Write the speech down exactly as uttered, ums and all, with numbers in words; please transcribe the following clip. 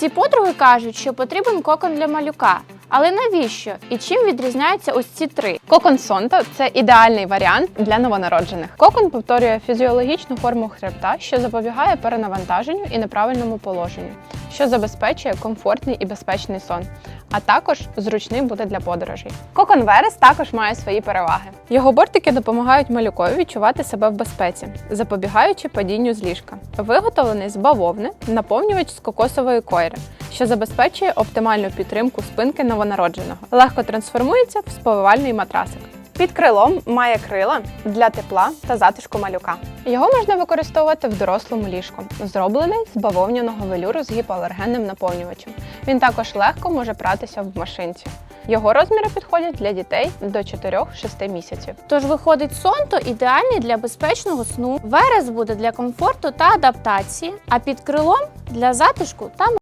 Всі подруги кажуть, що потрібен кокон для малюка. Але навіщо? І чим відрізняються ось ці три? Кокон Сонто – це ідеальний варіант для новонароджених. Кокон повторює фізіологічну форму хребта, що запобігає перенавантаженню і неправильному положенню, що забезпечує комфортний і безпечний сон, а також зручним буде для подорожей. Кокон Верес також має свої переваги. Його бортики допомагають малюкові відчувати себе в безпеці, запобігаючи падінню з ліжка. Виготовлений з бавовни, наповнювач з кокосової койри, що забезпечує оптимальну підтримку спинки новонародженого. Легко трансформується в сповивальний матрасик. Під крилом має крила для тепла та затишку малюка. Його можна використовувати в дорослому ліжку, зроблений з бавовняного велюру з гіпоалергенним наповнювачем. Він також легко може пратися в машинці. Його розміри підходять для дітей до чотирьох-шести місяців. Тож виходить, Сонто ідеальний для безпечного сну, Верес буде для комфорту та адаптації, а під крилом – для затишку та